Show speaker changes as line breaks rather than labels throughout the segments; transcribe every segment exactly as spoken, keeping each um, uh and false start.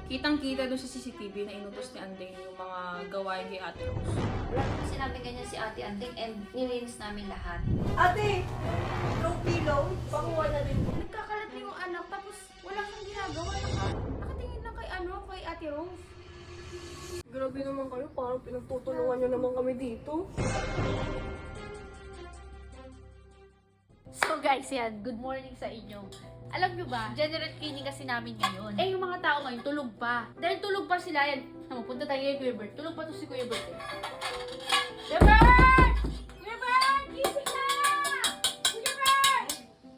Kitang-kita doon sa C C T V na inutos ni Andeng yung mga gawain kay Ate Rose.
Wala naman sinabi ganyan si Ate Andeng and nilinis namin lahat.
Ate! Low pillow, pakuha na din po.
Nagkakalat na yung anak tapos wala siyang ginagawa. Naka, nakatingin lang kay ano, kay Ate Rose.
Grabe naman kayo, parang pinagtutulungan nyo naman kami dito.
So guys, yan, good morning sa inyo. Alam nyo ba, general cleaning kasi namin ngayon. Eh, yung mga tao ngayon, tulog pa. Dahil tulog pa sila, yan. Naman, punta tayo kay Kuya Bert. Tulog pa to si Kuya Bert eh. Kuya Bert! Kuya Bert! Gising na! Kuya Bert!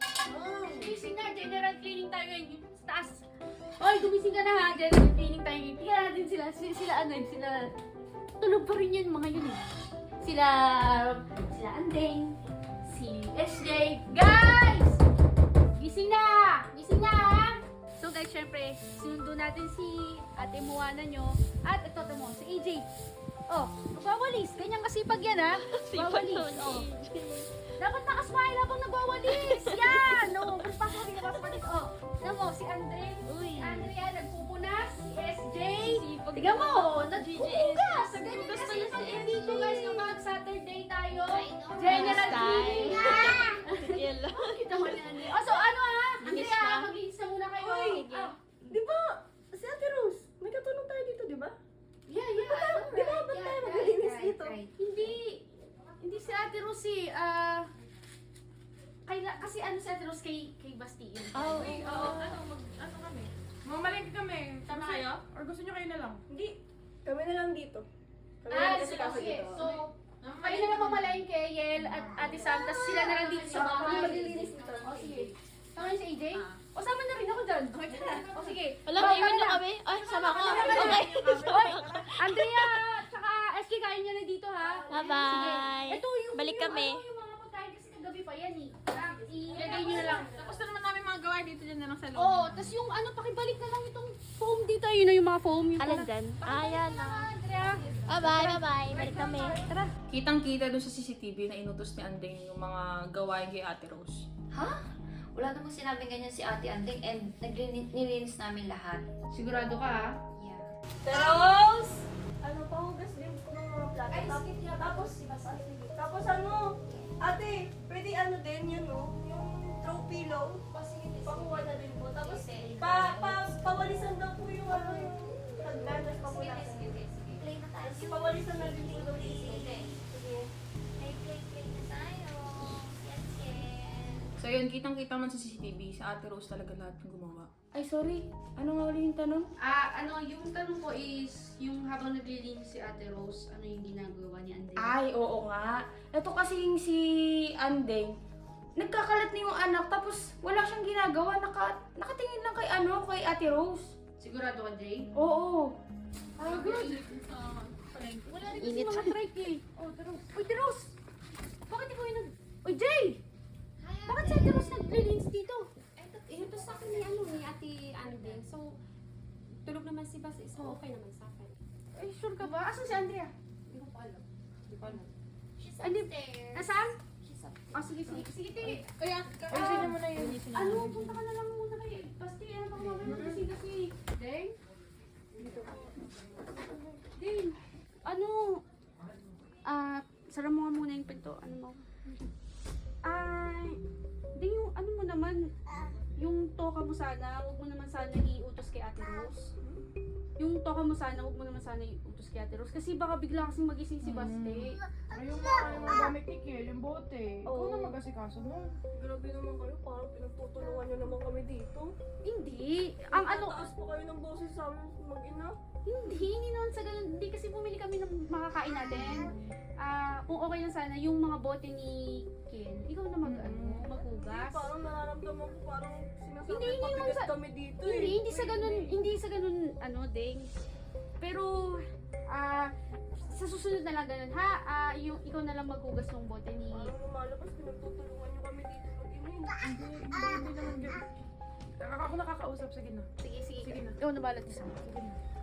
Gising na, general cleaning tayo ngayon. Yung sa taas. Oy, gumising ka na ha, general cleaning tayo ngayon. Tingnan natin sila, sila, sila ano yun, sila... Tulog pa rin yun, mga yun eh. Sila... Sila Andeng, si S J. Guys! Gising na! Gising na ha! So guys, syempre, sinundo natin si Ate Moana nyo. At ito, ito mo, si A J. Oh, magwawalis. Ganyan kasipag yan ha. Magwawalis. Oh. Dapat nakasmile habang nagwawalis. Yan! No, pasok rin na pasok Oh, tignan mo, si Andre. Si Andrea, nagpupunas. Si S J. Tignan mo, nagpupugas. Ganyan kasipag yan dito guys. Yung mga Saturday tayo. General cleaning ha! Kita mo na Andre. Oh, so ano ha? Andrea, mag-iis na muna kayo.
Uy!
Ah,
Di ba, si Ate Rose, may katulong tayo dito, di ba?
yeah, yeah.
Di ba, ba't tayo maglilinis dito?
Hindi, hindi si Ate Rose eh. Ah, kay, kasi ano si Ate Rose kay, kay Bastille.
Oh,
Uy, oo, ano, mag, ano kami? Mamalengke kami. Tama kayo? Or gusto nyo kayo na lang?
Hindi, kami na lang dito. Kami
Ah,
lang kasi
sige,
kaso
sige.
dito.
So, kayo na lang mamalayan kay Yel at Ate Sam, tapos sila na lang dito sa
Kami
bahay.
maglilinis dito.
O sige. Tama si A J? O sama na rin ako dyan. O sige.
Wala,
Bawal
iwan
na.
na kami. Ay, sama ko.
Okay.
Okay.
Oy, Andrea, tsaka S K, kain nyo na dito ha.
Bye-bye.
Sige. Ito yung,
Balik
yung,
kami.
Ano, yung mga pagkain kasi kagabi pa yan eh. Ilagay nyo na lang.
Tapos na naman namin mga gawain dito dyan na lang sa loob.
Oo, oh, tapos yung ano, pakibalik na lang itong foam dito. Yun na yung mga foam. Yung
Alin dyan? Ah, yan na.
Andrea.
Bye-bye, bye-bye. Balik kami.
Tara.
Kitang-kita doon sa C C T V na inutos ni Andeng yung mga gawain kay Ate Rose.
Ha? Wala namang sinabi ganyan si Ate Andeng and nilinis namin lahat.
Sigurado ka ha?
Yeah.
Rose! Ano, pahugas din ko ng mga plato.
Ay,
Tapos-
skip niya.
Tapos, tapos ano, ate, pwede ano din yun, no? Yung throw pillow. Pakuha na din po. Tapos, pa, pa, pawalisan daw po yung ano, yung hagdan, tapos papulasan.
Play na tayo.
Tapos pawalisan na din po daw yung Sige.
Play, play, play na tayo. Yes, yes.
So yun, kitang-kita man sa C C T V, sa Ate Rose talaga lahat yung gumawa.
Ay, sorry. Ano nga ulit yung tanong? Ah, ano, yung tanong ko is, yung habang naglilinis si Ate Rose, ano yung ginagawa ni Andrea?
Ay, oo nga. Ito kasing si Andeng, nagkakalat na yung anak tapos wala siyang ginagawa. Naka, nakatingin lang kay ano, kay Ate Rose.
Sigurado ka, Jay?
Oo.
Ay, good. Wala rin kasi
Init.
mga trike eh. Oh, Teros. Uy, Teros! Bakit ikaw yung nag... Uy, Jay! Bakit si Ate Rose naglilinis dito?
Eh, ito sa akin ni ano ni Ate Andeng. So, tulog naman si Bas, so okay naman sa akin.
Ay, sure ka ba? Asan si Andrea?
Hindi ko pa alam. Hindi ko alam.
She's
Andi,
upstairs.
nasaan?
She's up.
Oh, sige, sige. Sige, te.
Kaya, ayusin niyo muna yun.
Ano, punta ka na lang muna kay Basti. Ano bang mamaya kasi kasi. Deng? Deng, ano? Ah, sara mo nga muna yung pinto. Ano mo? Ah, Deng, yung ano mo naman, yung toka mo sana, huwag mo naman sana iutos kay Ate Rose. Yung toka mo sana, huwag mo naman sana iutos kay Ate Rose. Kasi baka bigla kasing magising si Basti.
Ayun nga, yung gamit ni Kiel, yung bote. Ikaw
Oo.
na mag-asikaso mo.
Grabe naman kayo, parang pinagtutulungan nyo naman kami dito.
Hindi. Ang ano,
Taas pa kayo ng boses sa amin mag-ina.
Hindi, hindi naman sa ganun. Hindi kasi bumili kami ng makakain natin. Ah, kung okay lang sana, yung mga bote ni Ken, ikaw na mag, ano, maghugas.
Parang nararamdaman ko parang sinasabi
Hindi, hindi naman
pabigat
sa-
kami dito
Hindi,
eh.
hindi sa ganun, hindi sa ganun, ano, ding. Pero, ah, sa susunod na lang ganun, ha? Ah, yung, ikaw na lang maghugas ng bote ni...
Parang lumalabas, pinagtutulungan nyo kami dito mag-ina.
Hindi, hindi, hindi naman ganyan. Ako nakakausap, sige na.
Sige, sige.
Sige na.
Ikaw na balat isa.
Sige na.